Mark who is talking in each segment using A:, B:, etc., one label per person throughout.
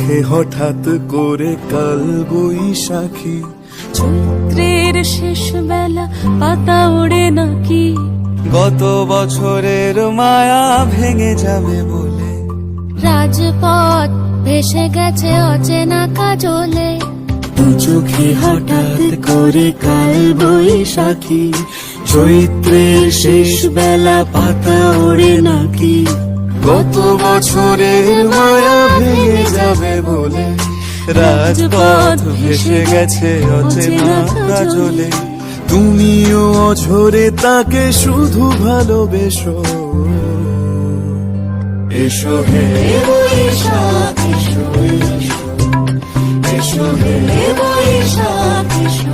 A: চোখে হঠাৎ করে কাল বৈশাখী,
B: চৈত্রের শেষ বেলা পাতা ওড়ে নাকি,
A: গত বছরের মায়া ভেঙে যাবে বলে,
B: রাজপথ ভেসে গেছে অচেনা কাজলে,
A: দু চোখে হঠাৎ করে কাল বৈশাখী, চৈত্রের শেষ বেলা পাতা ওড়ে নাকি, গত বছরের মায়া ভেঙে যাবে বলে, রাজপথ ভেসে গেছে অচেনা কাজলে, তুমিও অঝরে তাকে শুধু ভালোবেসো। এসো হে বৈশাখ এসো, এসো হে বৈশাখ এসো।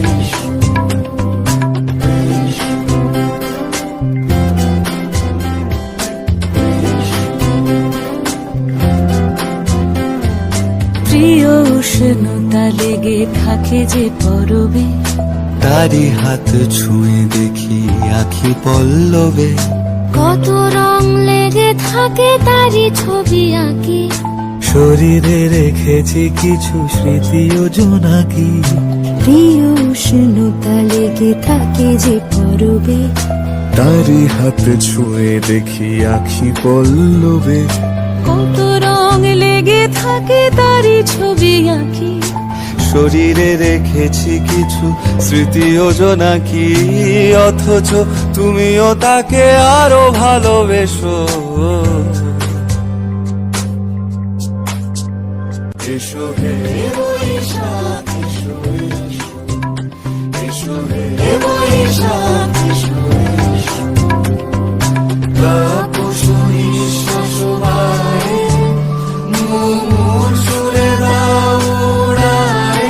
B: প্রিয় উষ্ণতা লেগে থাকে যে পরবে,
A: তারি হাত ছুঁয়ে দেখি আখি পল্লবে,
B: কত রং লেগে থাকে তারই ছবি আঁকি,
A: শরীরে রেখেছি কিছু স্মৃতি ও জোনাকি,
B: প্রিয় উষ্ণতা লেগে থাকে যে পরবে,
A: তারি হাত ছুঁয়ে দেখি আখি পল্লবে,
B: কত রং লেগে থাকে তারই ছবি আঁকি,
A: শরীরে রেখেছি কিছু স্মৃতি ও জোনাকি, অথচ তুমিও তাকে আরো ভালোবেসো। এসো হে বৈশাখ এসো, এসো হে বৈশাখ এসো, তাপস নিঃশ্বাস বায়ে, মুমুর সুরে দাও উড়ায়ে,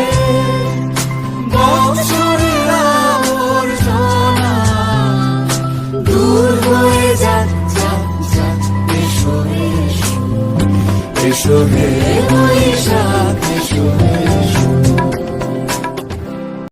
A: বৎসরের আবর্জনা দূর হয়ে যাক যাক যাক। এসো এসো, এসো হে বৈশাখ এসো, এসো।